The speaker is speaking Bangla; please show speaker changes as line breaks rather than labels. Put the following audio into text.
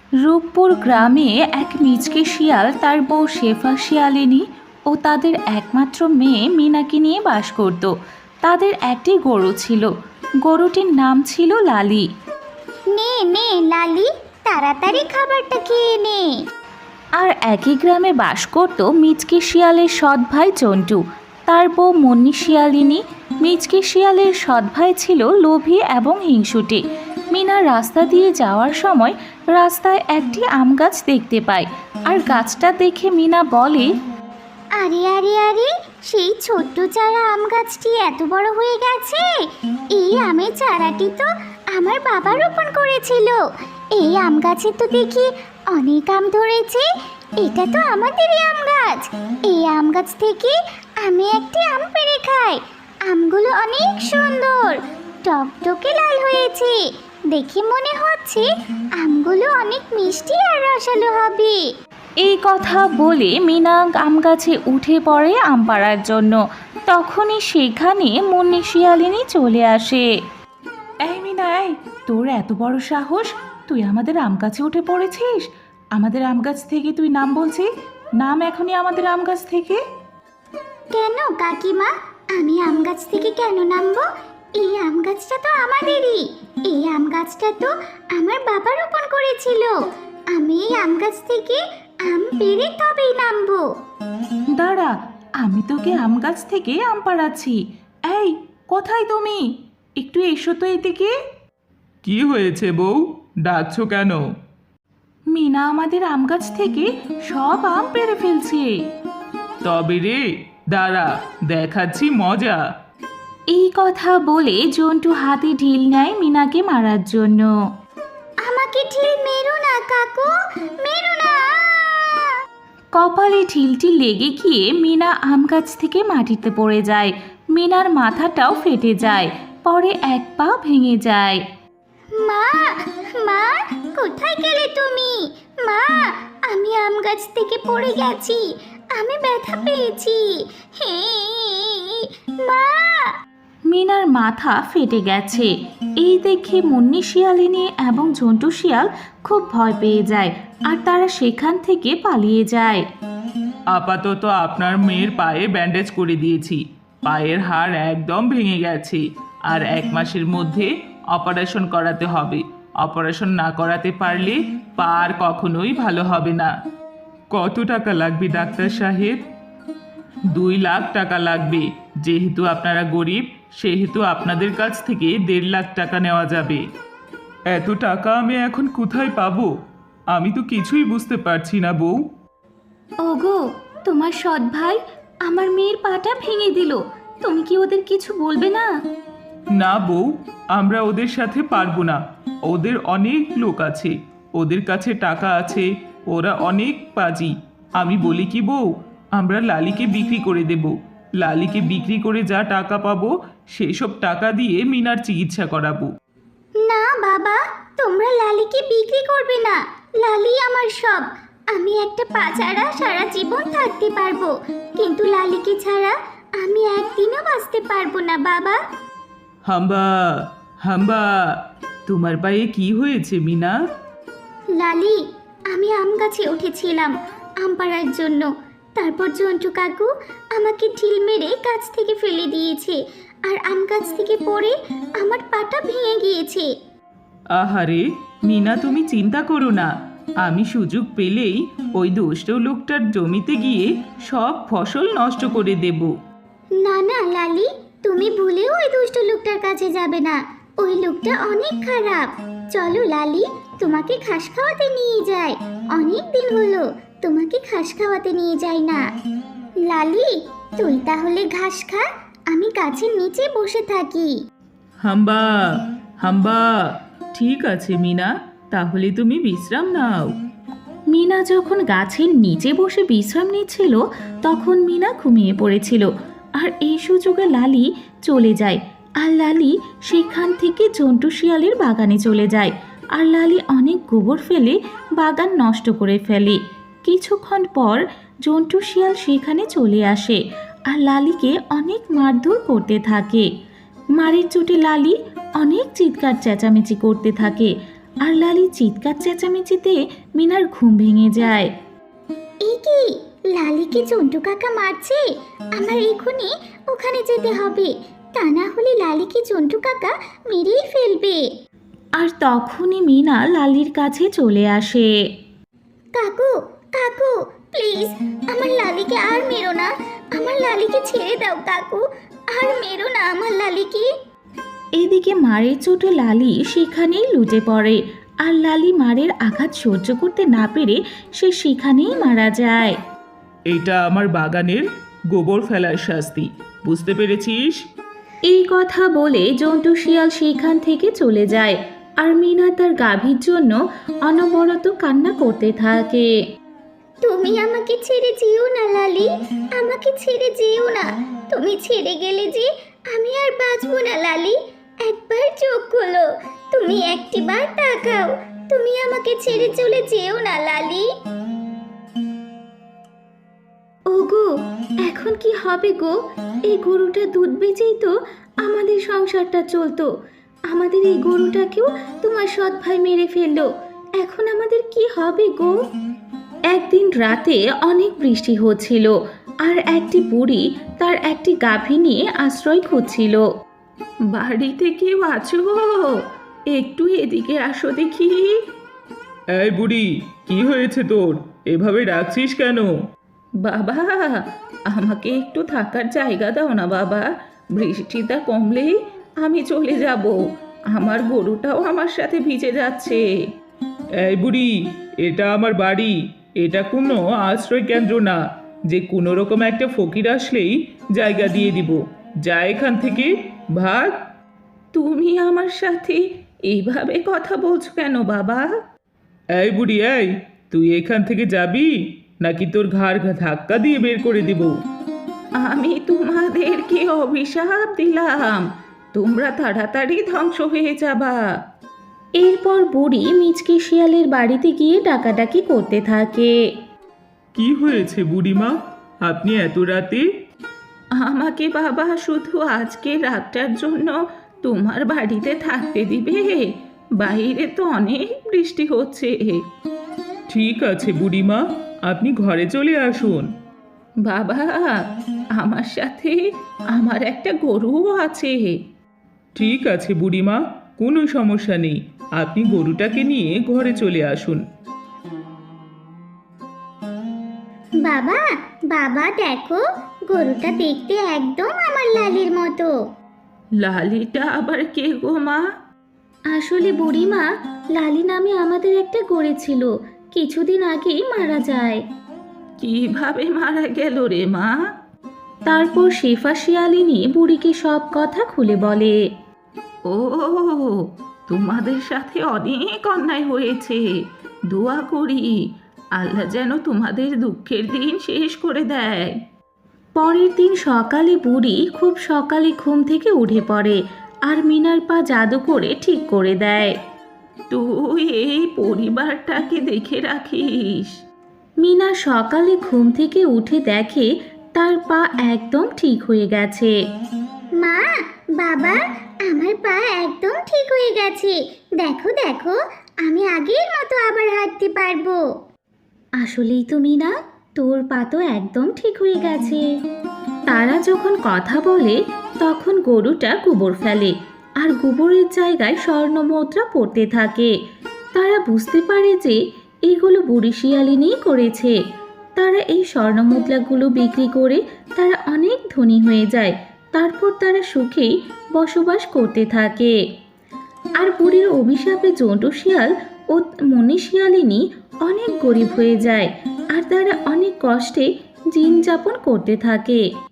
রূপপুর গ্রামে এক মিচকে শিয়াল, তার বউ শেফা শিয়ালিনী ও তাদের একমাত্র মেয়ে মিনাকে নিয়ে বাস করত। তাদের একটি গরু ছিল। গরুটির নাম ছিল লালি।
নে নে লালি, তাড়াতাড়ি খাবারটা খেয়ে নে।
আর একই গ্রামে বাস করত মিচকে শিয়ালের সৎ ভাই চন্টু, তার বউ মুন্নি শিয়ালিনী। মিচকে শিয়ালের সৎ ভাই ছিল লোভী এবং হিংসুটে। মিনা রাস্তা দিয়ে যাওয়ার সময় রাস্তায় একটি আম গাছ দেখতে পায়, আর গাছটা দেখে মিনা বলে,
আরে আরে আরে, সেই ছোট্ট চারা আম গাছটি এত বড় হয়ে গেছে। এই আমের চারাটি তো আমার বাবা রোপণ করেছিল। এই আম গাছে তো দেখি অনেক আম ধরেছে। এটা তো আমাদেরই আম গাছ। এই আম গাছ থেকে আমি একটি আম পেড়ে খাই। আমগুলো অনেক সুন্দর, টকটকে লাল হয়েছে। দেখে মনে হচ্ছে আমগুলো অনেক মিষ্টি আর রসালো হবে।
এই কথা বলে মিনা আম গাছে উঠে পড়ে আম পাড়ার জন্য। তখনই সেখানে মুন্নি শিয়ালিনী চলে আসে। এই মিনা, এই তোর এত বড় সাহস, তুই আমাদের আম গাছে উঠে পড়েছিস? আমাদের আম গাছ থেকে তুই নাম বলছিস? নাম এখনই আমাদের আম গাছ থেকে।
কেন কাকিমা, আমি আম গাছ থেকে কেন নামবো? এই আম গাছটা তো আমাদেরই। এই আম গাছটা তো আমার বাবা রোপণ করেছিল। আমি এই আম গাছ থেকে আম পেড়ে তবেই নামবো।
দাঁড়া, আমি তোকে আম গাছ থেকে আম পাড়াচ্ছি। এই, কোথায় তুমি? একটু এসো তো এদিকে।
কি হয়েছে বউ, ডাকছো কেন?
মিনা আমাদের আম গাছ থেকে সব আম পেড়ে ফেলছে।
তবে রে, দাঁড়া, দেখাচ্ছি মজা।
এই কথা বলে জন্টু হাতে ঢিল নেয় মিনাকে মারার জন্য।
আমাকে ঢিল মেরো না কাকু, মেরো না।
কপালে ঢিলটি লেগে গিয়ে মিনা আম গাছ থেকে মাটিতে পড়ে যায়। মিনার মাথাটাও ফেটে যায়, পরে এক পা ভেঙে যায়।
মা, মা, কোথায় গেলে তুমি? মা, আমি আম গাছ থেকে পড়ে গেছি। আমি ব্যথা পেয়েছি। হে মা।
মিনার মাথা ফেটে গেছে। এই দেখে মুন্নি শিয়ালিনী এবং ঝন্টু শিয়াল খুব ভয় পেয়ে যায়, আর তারা সেখান থেকে পালিয়ে যায়।
আপাতত আপনার মেয়ের পায়ে ব্যান্ডেজ করে দিয়েছি। পায়ের হাড় একদম ভেঙে গেছে, আর 1 মাসের মধ্যে অপারেশন করাতে হবে। অপারেশন না করাতে পারলে পা আর কখনোই ভালো হবে না। কত টাকা লাগবে ডাক্তার সাহেব? 2 লাখ টাকা লাগবে। যেহেতু আপনারা গরিব, সেহেতু আপনাদের কাছ থেকে 1.5 লাখ টাকা নেওয়া যাবে। এত টাকা আমি এখন কোথায় পাবো? আমি তো কিছুই বুঝতে পারছি না বউ।
ওগো, তোমার সৎ ভাই আমার মেয়ের পাটা ভেঙে দিল। তুমি কি ওদের কিছু বলবে না?
না বউ, আমরা ওদের সাথে পারবো না। ওদের অনেক লোক আছে, ওদের কাছে টাকা আছে, ওরা অনেক পাজি। আমি বলি কি বউ, আমরা লালিকে বিক্রি করে দেব। লালিকে বিক্রি করে যা টাকা পাবো, সেই সব টাকা দিয়ে মিনার চিকিৎসা করাবো।
না বাবা, তোমরা লালিকে বিক্রি করবে না। লালি আমার সব। আমি একটা পা ছাড়া সারা জীবন থাকতে পারবো, কিন্তু লালিকে ছাড়া আমি একদিনও বাঁচতে পারবো না বাবা।
হাম্বা, হাম্বা, তোমার পায়ে কি হয়েছে মিনা?
লালি, আমি আম গাছে উঠেছিলাম আম পাড়ার জন্য। তারপর জন্টু কাকু আমাকে ঢিল মেরে গাছ থেকে ফেলে দিয়েছে, আর আম গাছ থেকে পড়ে আমার পাটা ভেঙে গিয়েছে।
আহারে মিনা, তুমি চিন্তা করো না। আমি সুযোগ পেলেই ওই দুষ্ট লোকটার জমিতে গিয়ে সব ফসল নষ্ট করে দেব।
না না লালি, তুমি ভুলেও ওই দুষ্ট লোকটার কাছে যাবে না। ওই লোকটা অনেক খারাপ। চলো লালি, তোমাকে ঘাস খাওয়াতে নিয়ে যাই। অনেক দিন হলো তোমাকে ঘাস খাওয়াতে নিয়ে যাই না। লালি, তুই তাহলে ঘাস খা, আমি গাছের নিচে বসে থাকি।
হাম্বা, হাম্বা, ঠিক আছে মিনা, তাহলে তুমি বিশ্রাম নাও।
মিনা যখন গাছের নিচে বসে বিশ্রাম নিচ্ছিল, তখন মিনা ঘুমিয়ে পড়েছিল। আর এই সুযোগে লালি চলে যায়, আর লালি সেখান থেকে জন্টু শিয়ালের বাগানে চলে যায়। আর লালি অনেক গোবর ফেলে বাগান নষ্ট করে ফেলে। কিছুক্ষণ পর জন্টু শিয়াল সেখানে চলে আসে, আর লালিকে অনেক মারধর করতে থাকে। মারের চোটে লালি অনেক চিৎকার চেঁচামেচি করতে থাকে, আর লালি চিৎকার চেঁচামেচিতে মিনার ঘুম ভেঙে যায়।
এ কি, লালিকে জন্টু কাকা মারছে? আমার এখনই ওখানে যেতে হবে, তা না হলে লালিকে জন্টু কাকা মেরেই ফেলবে।
আর তখনই মিনা লালির কাছে চলে আসে।
কাকু, কাকু, প্লিজ আমার লালিকে আর মেরো না, আমার লালিকে ছেড়ে দাও কাকু, আর মেরো না আমার লালিকে।
এদিকে মারের চোটে লালি সেখানেই লুটে পড়ে, আর লালি মারের আঘাত সহ্য করতে না পেরে সে সেখানেই মারা যায়।
এইটা আমার বাগানের গোবর ফেলার শাস্তি, বুঝতে পেরেছিস?
এই কথা বলে জন্টু শিয়াল সেখান থেকে চলে যায়, আর মিনা তার গাভীর জন্য অনবরত কান্না করতে থাকে।
তুমি আমাকে ছেড়ে যেও না লালি, আমাকে ছেড়ে যেও না, তুমি ছেড়ে গেলে যে আমি আর বাঁচবো না লালি। একবার চোখ খোলো, তুমি একটিবার তাকাও, তুমি আমাকে ছেড়ে চলে যেও না লালি।
ওগো, এখন কি হবে গো? এই গরুটা দুধ বেচেই তো আমাদের সংসারটা চলতো। আমাদের এই গরুটাকেও তোমার সৎ ভাই মেরে ফেললো, এখন আমাদের কি হবে গো? একদিন রাতে অনেক বৃষ্টি হচ্ছিল, আর একটি বুড়ি তার একটি গাভী নিয়ে আশ্রয় খুঁজছিল। বাড়িতে কেউ আছো? একটু এদিকে আসো দেখি।
এই বুড়ি, কি হয়েছে তোর? এভাবে ডাকছিস কেন?
বাবা, আমাকে একটু থাকার জায়গা দাও না বাবা, বৃষ্টিটা কমলেই আমি চলে যাব। আমার গরুটাও আমার সাথে ভিজে যাচ্ছে।
এই বুড়ি, এটা আমার বাড়ি, এটা কোনো আশ্রয় কেন্দ্র না যে কোনো রকম একটা ফকির আসলেই জায়গা দিয়ে দিব। যা এখান থেকে, ভাগ।
তুমি আমার সাথে এইভাবে কথা বলছো কেন বাবা?
এই বুড়ি, এই তুই এখান থেকে যাবি নাকি তোর ঘাড় ধাক্কা দিয়ে বের করে দিব?
আমি তোমাদেরকে অভিশাপ দিলাম, তোমরা তাড়াতাড়ি ধ্বংস হয়ে যাবা। এরপর বুড়ি মিচকে শিয়ালের বাড়িতে গিয়ে ডাকাডাকি করতে থাকে।
কি হয়েছে বুড়িমা, আপনি এত রাতে?
আমাকে বাবা শুধু আজকে রাতটার জন্য তোমার বাড়িতে থাকতে দিবে? বাইরে তো অনেক বৃষ্টি হচ্ছে।
ঠিক আছে বুড়িমা, আপনি ঘরে চলে আসুন।
বাবা, আমার সাথে আমার একটা গরুও আছে।
ঠিক আছে বুড়িমা, কোনো সমস্যা নেই, আপনি গরুটাকে নিয়ে ঘরে চলে আসুন।
বাবা, বাবা দেখো, গরুটা দেখতে একদম আমার লালির মতো।
লালিটা আবার কে গো মা? আসলে বুড়িমা, লালি নামে আমাদের একটা গরু ছিল, কিছুদিন আগেই মারা যায়। কিভাবে মারা গেল রে মা? তারপর শেফা শিয়ালিনী বুড়িকে সব কথা খুলে বলে। ও, তোমাদের সাথে অনেক অন্যায় হয়েছে, দোয়া করি আল্লাহ যেন তোমাদের দুঃখের দিন শেষ করে দেয়। পরের দিন সকালে বুড়ি খুব সকালে ঘুম থেকে উঠে পড়ে, আর মিনার পা জাদু করে ঠিক করে দেয়। তুই এই পরিবারটাকে দেখে রাখিস। মিনা সকালে ঘুম থেকে উঠে দেখে তার পা একদম ঠিক হয়ে গেছে।
মা, বাবা, আমার পা একদম ঠিক হয়ে গেছে, দেখো দেখো, আমি আগের মতো আবার হাঁটতে পারবো।
আসলেই তো মিনা, তোর পা তো একদম ঠিক হয়ে গেছে। তারা যখন কথা বলে তখন গরুটা গোবর ফেলে, আর গোবরের জায়গায় স্বর্ণ মুদ্রা পড়তে থাকে। তারা বুঝতে পারে যে এগুলো বুড়ি শিয়ালিনীই করেছে। তারা এই স্বর্ণ মুদ্রাগুলো বিক্রি করে তারা অনেক ধনী হয়ে যায়। তারপর তারা সুখেই বসবাস করতে থাকে। আর বুড়ির অভিশাপে জন্টু শিয়াল ও মনি শিয়ালিনী অনেক গরিব হয়ে যায়, আর তারা অনেক কষ্টে দিন যাপন করতে থাকে।